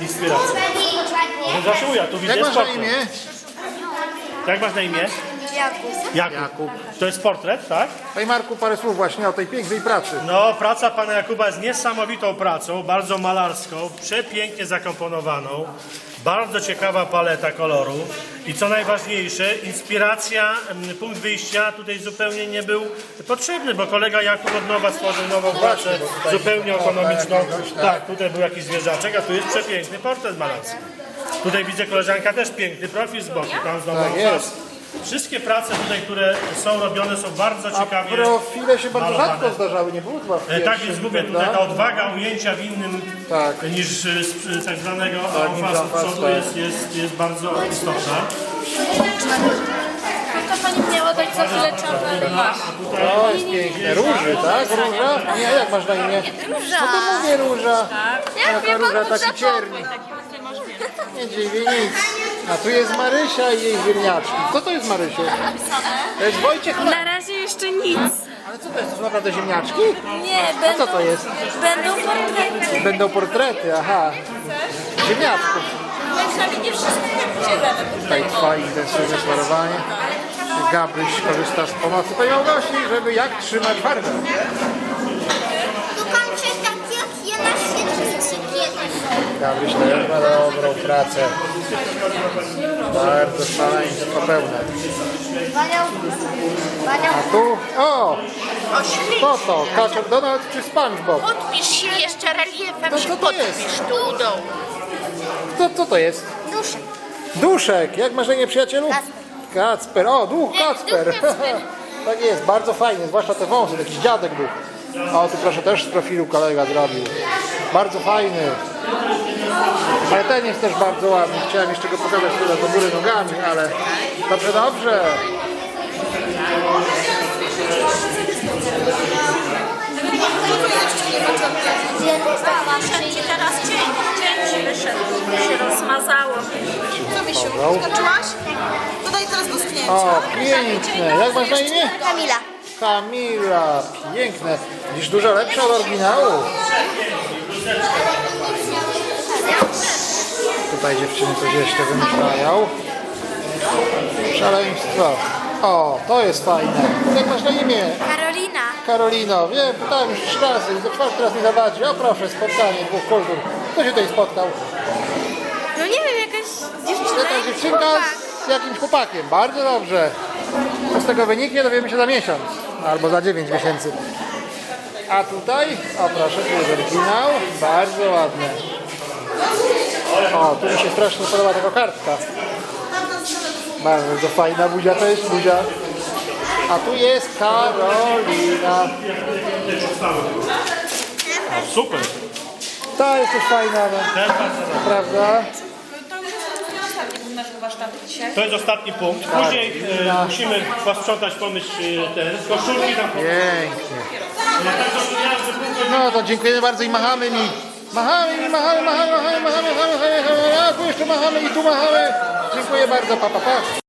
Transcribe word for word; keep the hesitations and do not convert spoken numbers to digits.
inspiracja. Zaszyłuja, tu widzę Jak masz na portret. imię? Jak masz na imię? Jakub. Jakub. Jakub. To jest portret, tak? Panie Marku, parę słów właśnie o tej pięknej pracy. No, praca pana Jakuba jest niesamowitą pracą, bardzo malarską, przepięknie zakomponowaną, bardzo ciekawa paleta kolorów i co najważniejsze, inspiracja, m, punkt wyjścia tutaj zupełnie nie był potrzebny, bo kolega Jakub od nowa stworzył nową pracę, bo tutaj zupełnie opa, ekonomiczną. jakiegoś, tak. Tak, tutaj był jakiś zwierzaczek, a tu jest przepiękny portret malarski. Tutaj widzę koleżanka też piękny profil z boku, tam znowu Tak jest. Wszystkie prace tutaj, które są robione, są bardzo A ciekawie profile się bardzo malowane. rzadko zdarzały, nie było chyba w E, Tak pierwszym, więc mówię, tutaj prawda? ta odwaga ujęcia w innym Tak. niż e, z, tak zwanego Tak, niż amfasu amfas, przodu tak. jest, jest, jest bardzo istotna. To pani miała dać za chwilę czapę. Masz. To jest piękne. Róży, tak? Róża? Nie, jak masz na imię? Róża. No to mówię róża. Jak wie Taka róża, pan, taki ciernik. Nie dziwi nic. A tu jest Marysia i jej ziemniaczki. Co to jest Marysiu? To jest Wojciech. Na razie jeszcze nic. Ale co to jest? To są naprawdę ziemniaczki? Nie, A będą, co to jest? będą portrety. Będą portrety, aha. Ziemniaczków. Myślami nie wszystko dzielemy. Tutaj trwa intensywne smarowanie. Gabryś korzysta z pomocy pani Małgosi, żeby jak trzymać farbę. Tu kończę tak jak ja na świecie kiedyś. Gabryś też ma dobrą pracę. Bardzo szaleństwo pełne. Baniał, Baniał, A tu, o! Co to? Kaczor Donald czy SpongeBob? Podpisz się jeszcze reliefem, To się co to jest? podpisz tu u dołu. Co, co to jest? duszek. Duszek. Jak masz na imię, przyjacielu? Kacper. Kacper. O, duch Kacper. duch Kacper. Tak jest, bardzo fajny, zwłaszcza te wąsy, jakiś dziadek duch. O, tu proszę, też z profilu kolega zrobił. Bardzo fajny. Ale ten jest też bardzo ładny. Chciałem jeszcze go pokazać tyle do góry nogami, ale dobrze, dobrze. Wszędzie teraz cień, cień wyszedł, się rozmazało. Co, Misiu? Dobra. Skończyłaś? Dodaj teraz do sknięcia. O, piękne. Jak masz na imię? Kamila. Kamila. Piękne. Widzisz, dużo lepsze od oryginału. Tutaj dziewczyny coś jeszcze wymyślają. Szaleństwo. O, to jest fajne. Jak masz na imię? Karolina. Karolino. Wiem, pytałem już trzy razy. Za czwarty raz nie zawadzi. O proszę, spotkanie dwóch kultur. Kto się tutaj spotkał? No nie wiem, jakaś dziewczyna. Jakaś dziewczynka z jakimś chłopakiem. Bardzo dobrze. Co z tego wyniknie, dowiemy się za miesiąc. Albo za dziewięć miesięcy. A tutaj, o proszę, tu jest oryginał. Bardzo ładne. O, tu mi się strasznie podoba taka kartka. Bardzo fajna buzia to jest buzia. A tu jest Karolina. O, super. Ta jest też fajna, no, Też bardzo dobrze. prawda? To już jest ostatni punkt naszego warsztatu dzisiaj. To jest ostatni punkt. Później e, musimy posprzątać, pomyć e, ten koszulki tam. Pięknie. Tak, to jazdy, punkt. No to dziękujemy bardzo i machamy mi. Machamy mi, machamy, machamy, machamy, machamy, machamy, machamy, a tu jeszcze machamy i tu machamy. Dziękuję bardzo, pa, pa, pa.